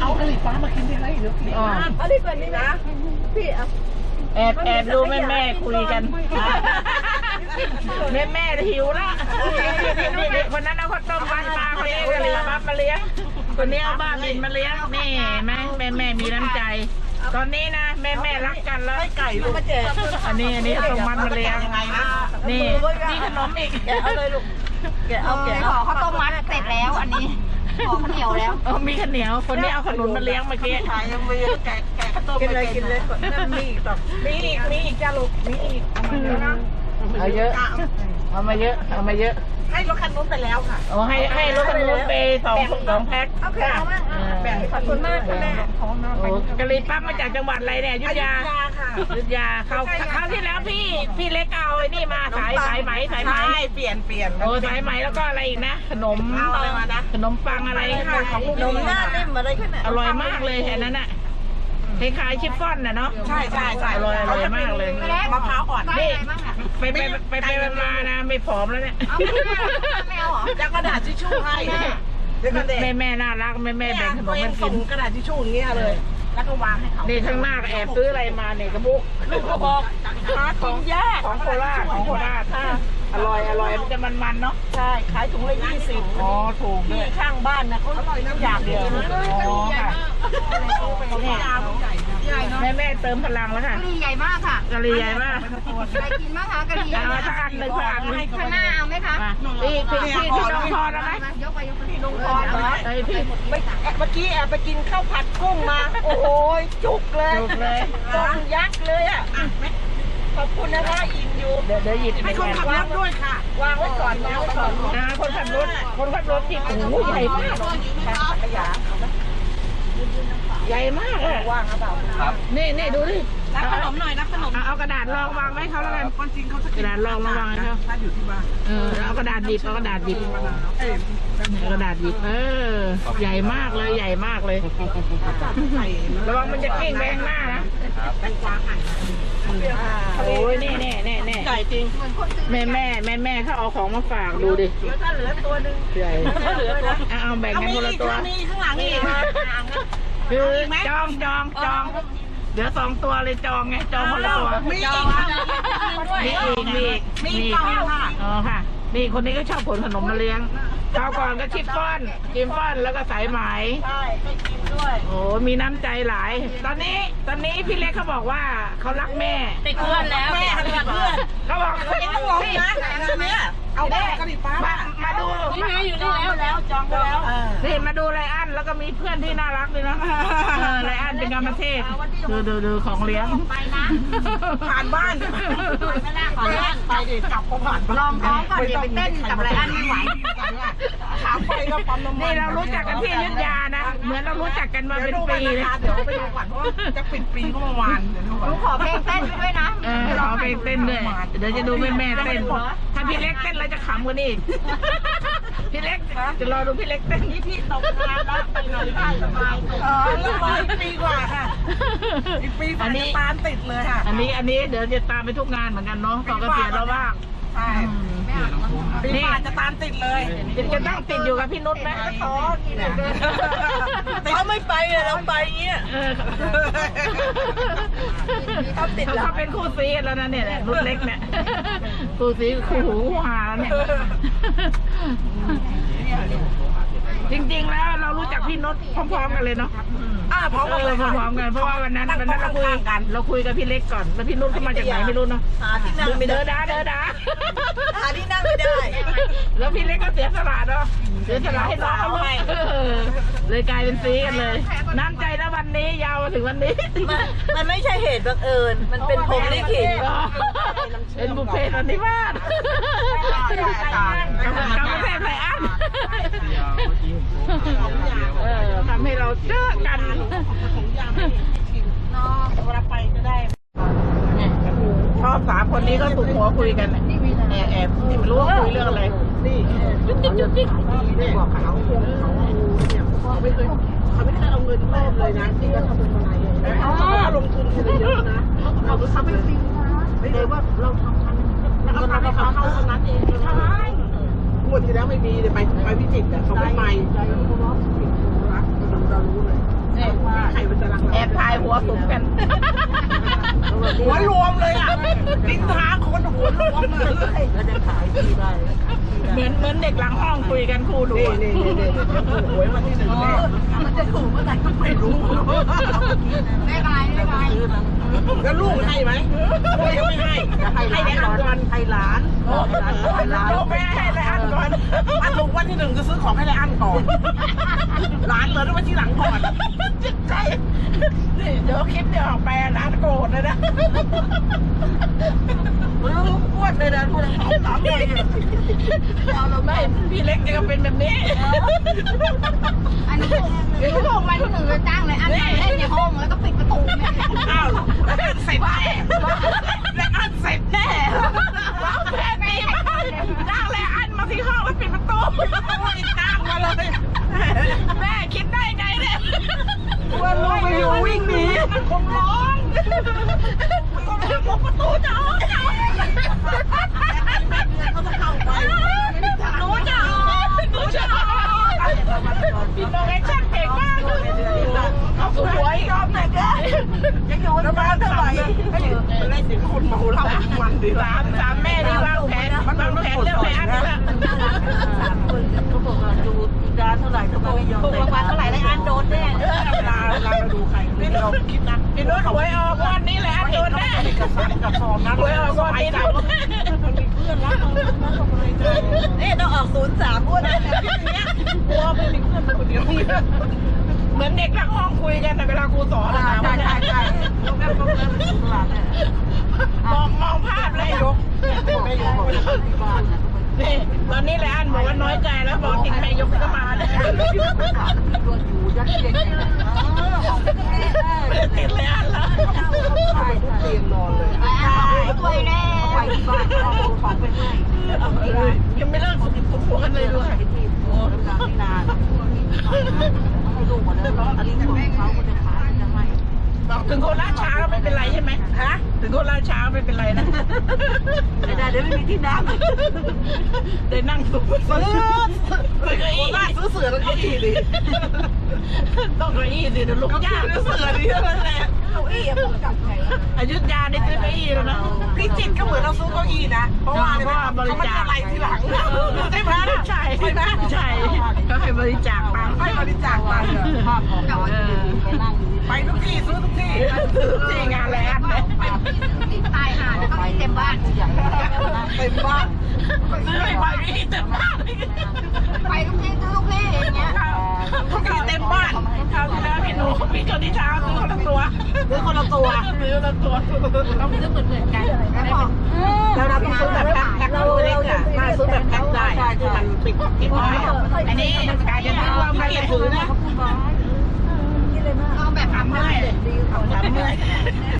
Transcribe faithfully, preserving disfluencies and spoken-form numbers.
เอากะหรี่ปั๊บมากินได้ไหมเดี๋ยวอ๋อเอาดีกว่านี้นะพี่เอาแอบแอบดูแม่แม่คุยกันแม่แม่หิวละคนนั้นเอาข้าวต้มบ้านปลาเขาเลี้ยงกะหรี่ปั๊บมาเลี้ยงคนนี้เอาบ้าบินมาเลี้ยงนี่แม่แม่แม่มีน้ำใจตอนนี้นะแม่แม่รักกันแล้วไก่ลูกมาแจกอันนี้อันนี้ตรงมันมาเลี้ยงนี่นี่ขนมอีกแกเอาเลยลูกแกเอาแกเอาข้าวต้มมัดเสร็จแล้วอันนี้ขอข้าวเหนียวแล้วเออมีข้าวเหนียวคนนี้เอาขนมมาเลี้ยงเมื่อกี้ขายยังมีแกะแกะข้าวต้มกินเลยกินเลยนั่นมีอีกต่อมีอีกมีอีกจ้าลูกมีอีกเอาเยอะเอามาเยอะเอามาเยอะให้รถคันนู้นไปแล้วค่ะโอ้ให้ให้รถคันนู้นไปสองสองแพ็คโอเคเอามากแบ่งขอบคุณมากค่ะแม่โอ้กะหรี่ปั๊บมาจากจังหวัดอะไรเนี่ยอยุธยาค่ะอยุธยาเขาคราวที่แล้วพี่พี่เล็กเอาไอ้นี่มาสายสายไหมสายไหมเปลี่ยนเปลี่ยนโอ้สายไหมแล้วก็อะไรอีกนะขนมอะไรมานะขนมปังอะไรค่ะของลูกขนมหน้านิ่มอะไรขึ้นอร่อยมากเลยแค่นั้นน่ะคล้ายๆชิฟฟ่อนน่ะเนาะใช่ใช่ใช่อร่อยอร่อยมากเลยมะพร้าวอ่อนนี่ไปไปไปไปมานะไม่ผอมแล้วเนี่ยไม่เอาหรอจะกระดาษทิชชู่ให้แม่แม่น่ารักแม่แม่แบ่งขนมมันกินกระดาษทิชชู่อย่างเงี้ยเลยแล้วก็วางให้เขานี่ข้างหน้าแอบซื้ออะไรมาเนี่ยกระบุกลูกกระบอกของยากของโคราชของโคราชอร่อยอร่อยมันจะมันๆเนาะใช่ขายถุงละยี่สิบอ๋อถูกที่ข้างบ้านนะเขาอร่อยน้ำอย่างเดียวอ๋อค่ะแม่แม่เติมพลังแล้วค่ะกะหรี่ใหญ่มากค่ะกะหรี่ใหญ่มากใครกินมากคะกะหรี่เอาสักอันหนึ่งสักอันข้างหน้าเอาไหมคะพี่พี่พี่ที่ลงคอแล้วไหมยกไปยกไปที่ลงคอเหรอไอพี่เมื่อกี้แอบไปกินข้าวผัดกุ้งมาโอ้โหจุกเลยจุกเลยต้มยักษ์เลยอ่ะขอบคุณนะคะอิ่มอยู่เดี๋ยวเดี๋ยวหยิบให้คนขับรถด้วยค่ะวางไว้ก่อนวางไว้ก่อนนะคนขับรถคนขับรถที่โอ้โหใหญ่มากขยะใหญ่มากเลยว่างหรือเปล่าครับนี่นี่ดูดิรับขนมหน่อยรับขนมเอากระดาษรองวางไว้เขาแล้วกันคนจริงเขาจะกระดาษรองระวังเขาถ้าอยู่ที่บ้านเออเอากระดาษดิบเอากระดาษดิบกระดาษดิบเออใหญ่มากเลยใหญ่มากเลยระวังมันจะกิ้งไปข้างหน้านะโอ้ยนี่แน่แน่แน่ใหญ่จริงแม่แม่แม่แม่เขาเอาของมาฝากดูดิถ้าเหลือตัวนึงใหญ่เหลือตัวเอาแบ่งกันคนละตัวมีข้างหลังอีกคือจองจองจองเดี๋ยวสองตัวเลยจองไงจองคนละตัวมีอีกมีอีกมีอีกมีอีกค่ะอ๋อค่ะนี่คนนี้ก็ชอบผลขนมมาเลี้ยงคราวก่อนก็ชิฟฟ่อนชิฟฟ่อนแล้วก็สายไหมใช่ไม่กินด้วยโอ้มีน้ำใจหลายตอนนี้ตอนนี้พี่เล็กเขาบอกว่าเขารักแม่ติดเพื่อนแล้วแม่ติดเพื่อนเขาบอกเขายังงงนะเนี่ยเอาแม่กะหรี่ปั๊บมามาดูนี่ไงอยู่นี่แล้วจองไปแล้วนี่มาดูไรอันแล้วก็มีเพื่อนที่น่ารักเลยนะไรอันเป็นกรรมเทศดูดูดูของเลี้ยงไปนะผ่านบ้านผ่านบ้านไปดิกลับก็ผ่านลองท้องก่อนเดี๋ยวไปเต้นกับไรอันไม่ไหวถามไปก็ปั๊มน้ำมันนี่เรารู้จักกันที่อยุธยานะเหมือนเรารู้จักกันมาเป็นปีเลยเดี๋ยวไปดูก่อนเพราะจะปิดปีก็ประมาณเดี๋ยวดูก่อนขอเพลงเต้นด้วยนะเออขอเพลงเต้นด้วยเดี๋ยวจะดูแม่แม่เต้นถ้าพี่เล็กเต้นเราจะขำกว่านี้พี่เล็กจะรอดูพี่เล็กเต้นนี่พี่ตกงานแล้วไปนอนบ้านสบายเอออีกปีกว่าค่ะอีกปีกว่าจะตามติดเลยค่ะอันนี้อันนี้เดี๋ยวจะตามไปทุกงานเหมือนกันเนาะต่อเกษียณแล้วบ้างใช่ปีกว่าจะตามติดเลยจะต้องติดอยู่กับพี่นุชไหมท้อเขาไม่ไปเราไปเงี้ยเขาติดเขาเป็นคู่ซีแล้วนะเนี่ยนุชเล็กเนี่ยคู่ซีคู่หูคู่หาแล้วเนี่ยจริงๆแล้วเรารู้จักพี่นุชพร้อมๆกันเลยเนาะอ่าพร้อมกันเลยพร้อมกันเพราะว่าวันนั้นวันนั้นเราคุยกันเราคุยกับพี่เล็กก่อนแล้วพี่นุชเขามาจากไหนไม่รู้เนาะหาที่นั่งไม่ได้เด้อเด้อเด้อหาที่นั่งไม่ได้แล้วพี่เล็กก็เสียสละเนาะเสียสละให้น้องเขาเลยเลยกลายเป็นซีกันเลยน้ำใจแล้ววันนี้ยาวมาถึงวันนี้มันไม่ใช่เหตุบังเอิญมันเป็นพรหมลิขิตเป็นบุพเพสันนิวาสกำลังเทพไรอันเออทำให้เราเจอกันเวลาไปก็ได้ชอบสามคนนี้ก็ถูกหัวคุยกันแอบแอบนี่ไม่รู้ว่าคุยเรื่องอะไรนี่จุ๊กจิ๊กจุ๊กจิ๊กบอกเขาเขาไม่เคยเขาไม่เคยเอาเงินแม่เลยนะที่จะทำเป็นอะไรเขาลงทุนเยอะนะเราทำไม่จริงนะไม่ได้ว่าเราทำทำเราทำให้เขาเข้าตรงนั้นเองใช่หมดที่แล้วไม่มีเลยไปไปพิจิตรแต่เขาไม่ไปเรารู้เลยวสมกันหัวรวมเลยอ่ะดินทาคนหัวรวมเลยแล้วจะขายที่ได้เหมือนเหมือนเด็กหลังห้องคุยกันครูดูนี่นี่นี่นี่หวยวันที่หนึ่งแน่มันจะถูกเมื่อไหร่ก็ไม่รู้ไม่ไรไม่ไรแล้วลูกให้ไหมลูกยังไม่ให้ให้ในอันก่อนให้หลานให้หลานลูกไม่ให้ในอันก่อนอันถูกวันที่หนึ่งจะซื้อของให้ในอันก่อนร้านเลยต้องมาที่หลังก่อนจิตใจนี่เดี๋ยวคลิปเดี๋ยวออกไปร้านโกรธเลยนะมันอ้วนเลยนะพวกเราสามเลยเอาเราไม่พี่เล็กจะก็เป็นแบบนี้อันนี้ลูกมาที่หนึ่งเลยจ้างเลยอันนี้เล่นในห้องแล้วก็ปิดประตูเนี่ยอ้าวแล้วอันเสร็จแน่แล้วอันเสร็จแน่ว้าวแพทย์นี่จ้างเลยอันมาที่ห้องแล้วปิดประตูจ้างมาเลยแม่คิดได้ไงเนี่ยว่าลูกไม่อยู่วิ่งหนีมันคงร้องคงจะมุดประตูจะออกจะออกเขาจะเข้าไปหนูจะออกหนูจะออกพี่น้องแอคชั่นเก่งมากเอาสวยยอมหน่อยเด้อยังอยู่ในบ้านเท่าไหร่มันได้เสียงคนเมาเหล้าทุกวันดีสามสามแม่นี่วางแผนวางแผนเรื่องแผนนี่แหละสามคนเขาบอกว่าอยู่อีกดาเท่าไหร่ทำไมไม่ยอมถูกรางวัลเท่าไหร่แล้วอันโดนแน่เวลาเวลาเราดูใครพี่เราคิดนะพี่นุ้ยหวยออกวันนี้แหละโดนแน่กับสายกับซองนะหวยออกวันนี้นะมันมีเพื่อนรักมันมันสบายใจนี่ต้องออกศูนย์สามอ้วนเลยนะพี่เนี้ยกลัวไม่มีเพื่อนคนเดียวเหมือนเด็กทั้งห้องคุยกันแต่เวลาครูสอนนะใช่ใช่ใช่ต้องแบบต้องแบบตลาดเนี่ยมองมองภาพเลยยกไม่ยกบอกที่บ้านนะนี่ตอนนี้แหละอันบอกว่าน้อยใจแล้วบอกติดแม่ยกก็มาเลยตัวอยู่ยัดเยียดเลยของเป็นยังไงไม่ได้ติดเลยอันแล้วใช่เตียงนอนเลยไปช่วยแน่ไปที่บ้านเอาของไปให้ยังไม่เลิกผัวกันเลยด้วยที่โอ้ทำงานไม่นานให้ลูกหมดแล้วอันนี้ของเขาก็จะขายจะให้บอกถึงคนล่าช้าไม่เป็นไรใช่ไหมฮะถึงคนล่าช้าไม่เป็นไรนะไม่ได้เดี๋ยวไม่มีที่นั่งได้นั่งสุขซื้อซื้อเก้าอี้บ้านซื้อเสือแล้วก็ดีดิต้องเก้าอี้สิเดี๋ยวลุกก็ยากซื้อเสือดีเท่านั้นแหละเก้าอี้ผมจับไงอยุธยาได้ซื้อเก้าอี้แล้วนะพี่จิตก็เหมือนเราซื้อเก้าอี้นะเพราะว่าอะไรเขาไม่ได้อะไรทีหลังใช่ไหมใช่ใช่ไหมใช่ก็ให้บริจาคตังค์ให้บริจาคไปภาพของเราไปนั่งไปทุกที่ซื้อทุกที่ซื้อที่งานแล้วเนี่ยติดตายหาแล้วก็มีเต็มบ้านใหญ่เต็มบ้านซื้อไปไปไม่เต็มบ้านไปทุกที่ทุกที่อย่างเงี้ยทุกที่เต็มบ้านคราวที่แล้วพี่หนูพี่คนที่เช้าซื้อคนละตัวซื้อคนละตัวซื้อคนละตัวต้องซื้อเหมือนเหมือนกันแล้วบอกแล้วเราต้องซื้อแบบแพ็คแพ็คตัวเล็กอ่ะถ้าซื้อแบบแพ็คได้ที่มันปิดปิดไว้อันนี้กายจะซื้อรวมกันเลยถือนะเอาแบบทำให้ทำเมื่อย